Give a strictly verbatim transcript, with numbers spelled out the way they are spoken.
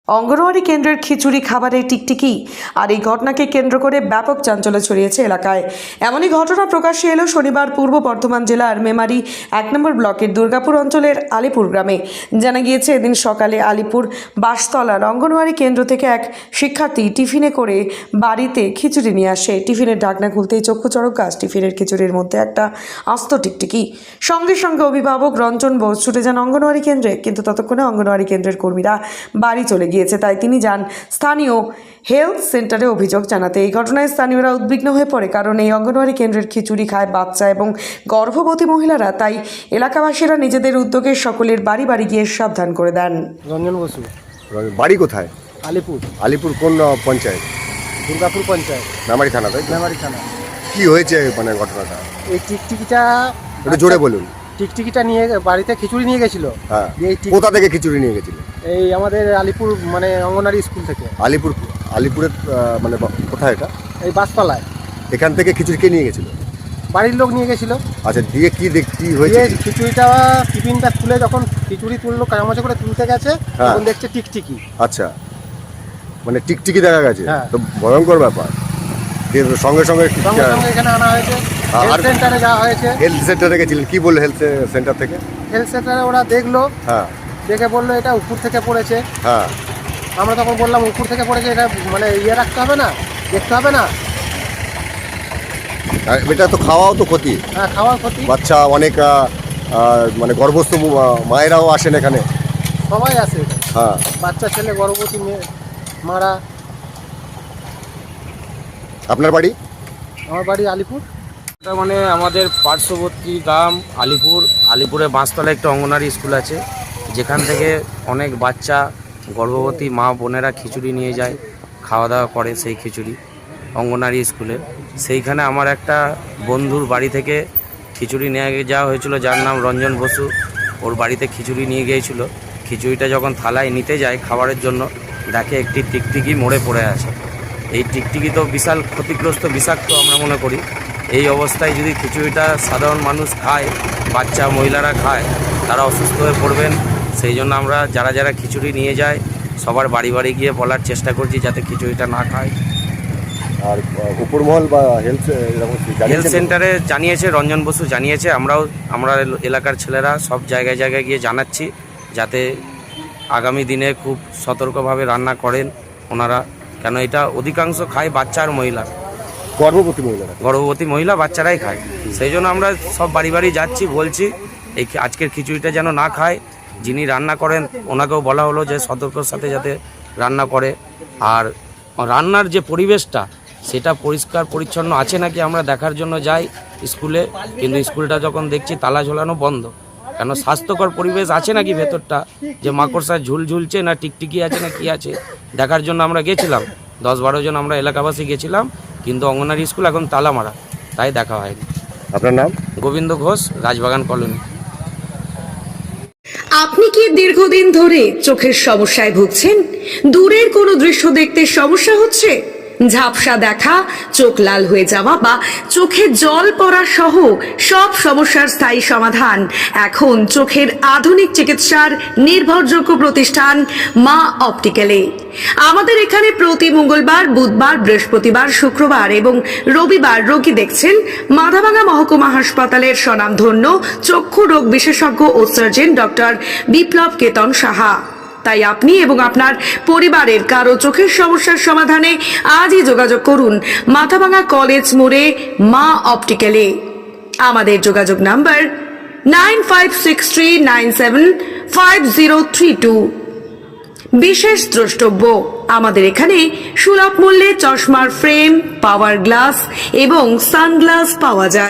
অঙ্গনওয়াড়ি কেন্দ্রের খিচুড়ি খাবারে টিকটিকি আর এই ঘটনাকে কেন্দ্র করে ব্যাপক চাঞ্চল্য ছড়িয়েছে এলাকায়। এমনই ঘটনা প্রকাশ্যে এলো শনিবার পূর্ব বর্ধমান জেলার মেমারি এক নম্বর ব্লকের দুর্গাপুর অঞ্চলের আলিপুর গ্রামে। জানা গিয়েছে এদিন সকালে আলিপুর বাসতলার অঙ্গনওয়াড়ি কেন্দ্র থেকে এক শিক্ষার্থী টিফিনে করে বাড়িতে খিচুড়ি নিয়ে আসে। টিফিনের ঢাকনা খুলতেই চক্ষু চড়ক গাছ, টিফিনের খিচুড়ির মধ্যে একটা আস্ত টিকটিকি। সঙ্গে সঙ্গে অভিভাবক রঞ্জন বোস ছুটে যান অঙ্গনওয়াড়ি কেন্দ্রে, কিন্তু ততক্ষণে অঙ্গনওয়াড়ি কেন্দ্রের কর্মীরা বাড়ি চলে গিয়েছে, তাই তিনি যান স্থানীয় হেলথ সেন্টারে অভিযোগ জানাতে। এই ঘটনায় স্থানীয়রা উদ্বিগ্ন হয়ে পড়ে, কারণ এই অঙ্গনওয়াড়ি কেন্দ্রের খিচুড়ি খায় বাচ্চা এবং গর্ভবতী মহিলারা। তাই এলাকাবাসীরা নিজেদের উদ্যোগে সকলের বাড়ি বাড়ি গিয়ে সাবধান করে দেন। রঞ্জন বসু। বাড়ি কোথায়? আলিপুর। আলিপুর কোন পঞ্চায়েত? দুর্গাপুর পঞ্চায়েত, মেমারি থানা। তাই মেমারি থানা। কি হয়েছে মানে ঘটনাটা? এই টিকটিকিটা একটু জোরে বলুন। টিকটিকিটা নিয়ে বাড়িতে খিচুড়ি নিয়ে গেছিল। হ্যাঁ, এই টিক- কোথা থেকে খিচুড়ি নিয়ে গেছিল? এই আমাদের আলিপুর মানে অঙ্গনারী স্কুল থেকে। আলিপুর আলিপুরের আহ, মানে বা- কোথায় এটা? এই বাসতলায় এখান থেকে খিচুড়ি কে নিয়ে গেছিল? বাড়ির লোক নিয়ে গেছিল। আচ্ছা, দিয়ে কি দেখ কি হয়েছে? দিয়ে খিচুড়িটা টিফিনটা খুলে যখন খিচুড়ি তুললো, কামাচা করে তুলতে গেছে, হ্যাঁ। তখন দেখছে টিকটিকি। আচ্ছা, মানে টিকটিকি দেখা গেছে। হ্যাঁ। তো ভয়ঙ্কর ব্যাপার। দিয়ে সঙ্গে সঙ্গে সঙ্গে সঙ্গে এখানে আনা হয়েছে, আর- হেলথ সেন্টারে যাওয়া হয়েছে। হেলথ সেন্টারে গেছিলেন, কি বললো হেলথ সেন্টার থেকে? হেলথ সেন্টারে ওরা দেখলো, হ্যাঁ দেখে বললো এটা উপর থেকে পড়েছে। হ্যাঁ আমরা তখন বললাম উপর থেকে পড়েছে, এটা মানে ইয়ে রাখতে হবে না, দেখতে হবে না। আর এটা তো খাওয়াও তো ক্ষতি। হ্যাঁ, খাওয়ার ক্ষতি। বাচ্চা অনেক আহ, আহ, মানে গর্ভস্থ আহ, মায়েরাও আসেন এখানে। সবাই আছে, হ্যাঁ, বাচ্চা ছেলে, গর্ভবতী মেয়ে, মারা। আপনার বাড়ি? আমার বাড়ি আলিপুর। এটা মানে আমাদের পার্শ্ববর্তী গ্রাম আলিপুর। আলিপুরে বাঁশতলায় একটা অঙ্গনারী স্কুল আছে, যেখান থেকে অনেক বাচ্চা গর্ভবতী মা বোনেরা খিচুড়ি নিয়ে যায়, খাওয়া দাওয়া করে সেই খিচুড়ি অঙ্গনারী স্কুলে। সেইখানে আমার একটা বন্ধুর বাড়ি থেকে খিচুড়ি নিয়ে যাওয়া হয়েছিল, যার নাম রঞ্জন বসু। ওর বাড়িতে খিচুড়ি নিয়ে গিয়েছিল। খিচুড়িটা যখন থালায় নিতে যায় খাবারের জন্য, দেখে একটি টিকটিকি মরে পড়ে আছে। এই টিকটিকি তো বিশাল ক্ষতিগ্রস্ত, বিষাক্ত আমরা মনে করি। এই অবস্থায় যদি খিচুড়িটা সাধারণ মানুষ খায়, বাচ্চা মহিলারা খায়, তারা অসুস্থ হয়ে পড়বেন। সেই জন্য আমরা যারা যারা খিচুড়ি নিয়ে যায় সবার বাড়ি বাড়ি গিয়ে বলার চেষ্টা করছি যাতে খিচুড়িটা না খায়। আর আহ, উপরমহল বা হেলথ এরকম কি হেলথ জানিয়েছেন? সেন্টারে জানিয়েছে, রঞ্জন বসু জানিয়েছে। আমরাও আমরা এলাকার ছেলেরা সব জায়গায় জায়গায় গিয়ে জানাচ্ছি যাতে আগামী দিনে খুব সতর্কভাবে রান্না করেন ওনারা, কেন এটা অধিকাংশ খায় বাচ্চা আর মহিলা, গর্ভবতী মহিলারা। গর্ভবতী মহিলা বাচ্চারাই খায়। সেই জন্য আমরা সব বাড়ি বাড়ি যাচ্ছি, বলছি এই আজকের খিচুড়িটা যেন না খায়। যিনি রান্না করেন ওনাকেও বলা হলো যে সতর্কর সাথে যাতে রান্না করে। আর রান্নার যে পরিবেশটা সেটা পরিষ্কার পরিচ্ছন্ন আছে নাকি আমরা দেখার জন্য যাই স্কুলে, কিন্তু স্কুলটা যখন দেখছি তালা ঝোলানো বন্ধ। কেন স্বাস্থ্যকর পরিবেশ আছে নাকি ভেতরটা, যে মাকড়সা ঝুল ঝুলছে না টিকটিকি আছে না কি আছে দেখার জন্য আমরা গেছিলাম। দশ বারো জন আমরা এলাকাবাসী গেছিলাম, কিন্তু অঙ্গনারী স্কুল এখন তালা মারা, তাই দেখা হয়নি। আপনার নাম? গোবিন্দ ঘোষ, রাজবাগান কলোনি। আপনি কি দীর্ঘদিন ধরে চোখের সমস্যায় ভুগছেন? দূরের কোনো দৃশ্য দেখতে সমস্যা হচ্ছে? ঝাপসা দেখা, চোখ লাল হয়ে যাওয়া বা চোখে জল পড়া সহ সব সমস্যার স্থায়ী সমাধান এখন চোখের আধুনিক চিকিৎসার নির্ভরযোগ্য প্রতিষ্ঠান মা অপটিক্যালে। আমাদের এখানে প্রতি মঙ্গলবার, বুধবার, বৃহস্পতিবার, শুক্রবার এবং রবিবার রোগী দেখছেন মাথাভাঙা মহকুমা হাসপাতালের স্বনামধন্য চক্ষু রোগ বিশেষজ্ঞ ও সার্জন ডক্টর বিপ্লব কেতন সাহা। তাই আপনি এবং আপনার পরিবারের কারো চোখের সমস্যার সমাধানে আজই যোগাযোগ করুন মাথাভাঙা কলেজ মোড়ে মা অপটিক্যালে। আমাদের যোগাযোগ number nine five six three nine seven five zero three two. বিশেষ দ্রষ্টব্য, আমাদের এখানে সুলভ মূল্যে চশমার ফ্রেম, পাওয়ার গ্লাস এবং সানগ্লাস পাওয়া যায়।